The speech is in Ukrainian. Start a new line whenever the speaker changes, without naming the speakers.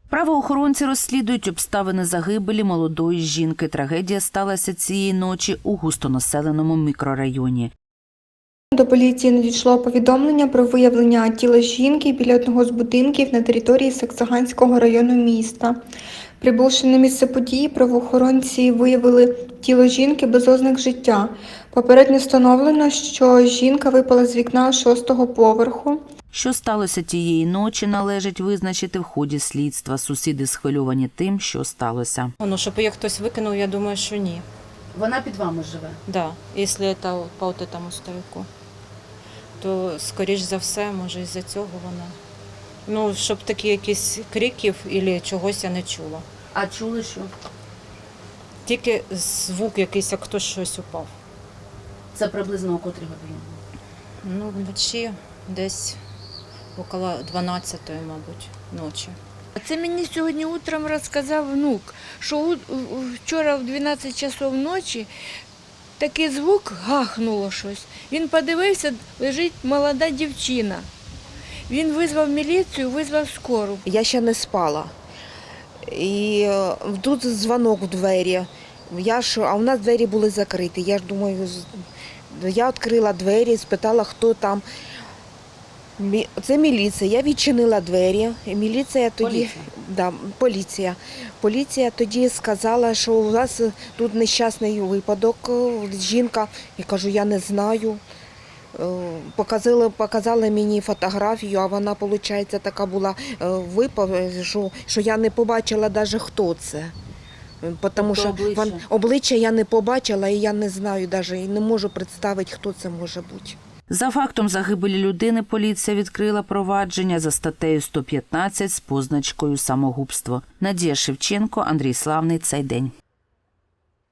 Правоохоронці розслідують обставини загибелі молодої жінки. Трагедія сталася цієї ночі у густонаселеному мікрорайоні.
До поліції надійшло повідомлення про виявлення тіла жінки біля одного з будинків на території Саксаганського району міста. Прибувши на місце події, правоохоронці виявили тіло жінки без ознак життя. Попередньо встановлено, що жінка випала з вікна 6-го поверху.
Що сталося тієї ночі, належить визначити в ході слідства. Сусіди схвильовані тим, що сталося.
Щоб її хтось викинув, я думаю, що ні.
Вона під вами живе?
Да, якщо це по этому старику, то, скоріш за все, може, із-за цього вона. Щоб такі якісь криків або чогось я не чула.
А чули що?
Тільки звук якийсь, як хтось щось упав.
Це приблизно о котрій годині?
Вночі десь около 12-ї, мабуть, ночі.
Це мені сьогодні утром розказав внук, що вчора в 12 часов ночі такий звук, гахнуло щось. Він подивився, лежить молода дівчина. Він визвав міліцію, визвав скору.
Я ще не спала. І тут дзвонок у двері. А у нас двері були закриті. Я ж думаю, я відкрила двері, спитала, хто там. Це міліція. Я відчинила двері. Міліція тоді, поліція тоді сказала, що у вас тут нещасний випадок, жінка. Я кажу, я не знаю. Показали мені фотографію, а вона, виходить, така була що я не побачила навіть, хто це. Тому що обличчя я не побачила, і я не знаю навіть, і не можу представити, хто це може бути.
За фактом загибелі людини поліція відкрила провадження за статтею 115 з позначкою «Самогубство». Надія Шевченко, Андрій Славний. Цей день.